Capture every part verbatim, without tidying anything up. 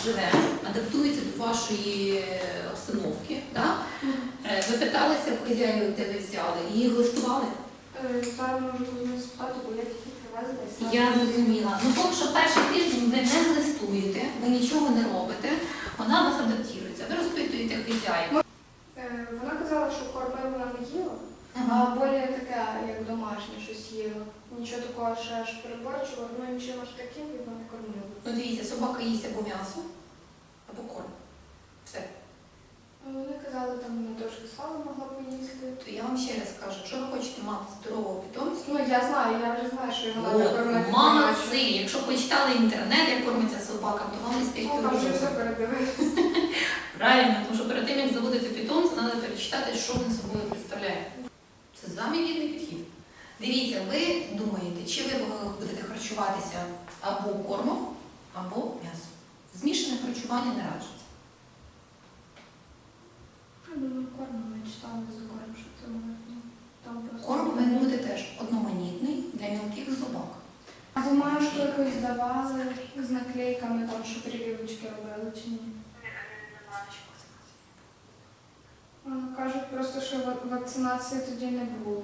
живе, адаптується до вашої обстановки. Да? Ви питалися в хазяїв, де ви взяли, і їх листували? Зараз можу не спитати, бо я тільки привезла. Я зрозуміла. Ну, поки що перший тиждень ви не листуєте, ви нічого не робите, вона вас адаптується. Ви розпитуєте хазяїв. Вона казала, що корми вона не їла, Ага. а більше таке, як домашнє, щось їла. Нічого такого, що аж переборчувала, ну нічого аж таким вона не кормила. Ну, дивіться, собака їсть або м'ясо, або корм. Все. Вони казали, там вона трошки сала могла поїсти. То я вам ще раз кажу, якщо ви хочете мати здорового питомця, Ну я знаю, я вже знаю, що вона не кормить. молодці! Якщо почитали інтернет, як кормиться собака, то вам не спіть Ну, там вже все передивилися. Правильно, тому що перед тим, як заводити питомця, треба перечитати, що він собою представляє. Це самий вірний підхід. Дивіться, ви думаєте, чи ви будете харчуватися або кормом, або м'ясом. Змішане харчування не раджується. Я думаю, корм, ми читали за корм, що це можна. Там просто... Корм повинен бути теж одноманітний для мілких собак. А бумажку якусь давали з наклейками, там, що прививочки робили, чи ні? Вони кажуть просто, що ва- вакцинації тоді не було.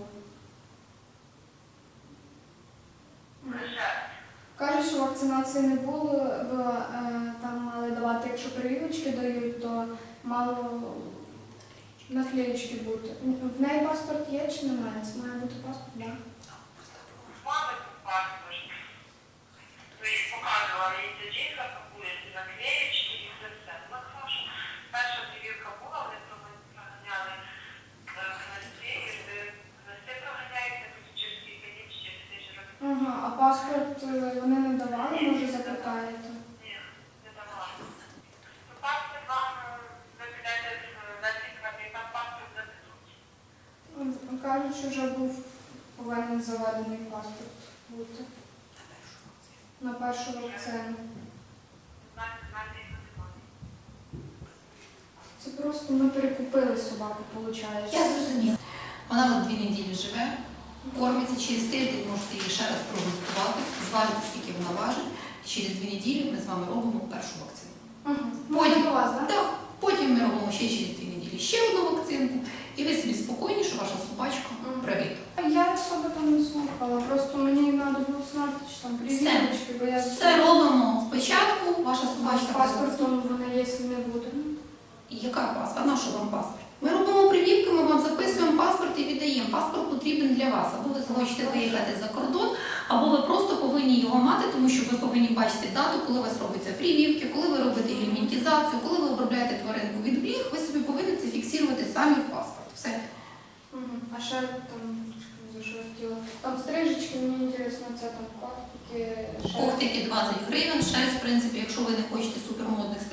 Кажуть, що вакцинації не було, бо е, там мали давати, якщо прививочки дають, то мало наклеєчки бути. В неї паспорт є чи немає? Це має бути паспорт, так? Мама паспорт. Ви їх показували і тоді, ці наклеєчки, і все все. Ну, тому що перша прививка була, вони проганяли гности, і гности проганяються через кілька днів, через тиждень років. Ага, а паспорт е, вони не давали, може запитаєте? Ні, не давали. Ну, паспорт вам, ви підете в лікарню, і там паспорт запитуть. М, Кажуть, що вже був повинен заведений паспорт бути на першу вакцину. Знаєте, знаєте, їх немає. Це просто ми перекупили собаку, виходить. Я зрозуміла. Вона у вас дві неділі живе, кормиться через тиждень, можете її ще раз прогустувати, зважити, скільки вона важить. Через дві неділі ми з вами робимо першу вакцину. Угу. Потім, Можна до вас, так? так, потім ми робимо ще через дві неділі ще одну вакцинку, і ви собі спокійні, що ваша собачка привита. Я особо там не слухала, просто мені треба було знати, чи там прививочки, бо я Все робимо спочатку, ваша з собачка. паспортом вона, якщо не буде. І яка паспорт? А на що вам паспорт? Ми робимо прививки, ми вам записуємо паспорт і віддаємо. Паспорт потрібен для вас. Або ви захочете виїхати за кордон, або ви просто повинні його мати, тому що ви повинні бачити дату, коли у вас робиться прививки, коли ви робите гельмінтізацію, коли ви обробляєте тваринку від бліг, ви собі повинні це фіксувати самі в паспорт. Все. Угу. А ще там, за що я хотіла, там стрижечки, мені інтересно, це там когтики, ще... Когтики двадцять гривень, шерсть, в принципі, якщо ви не хочете супермодних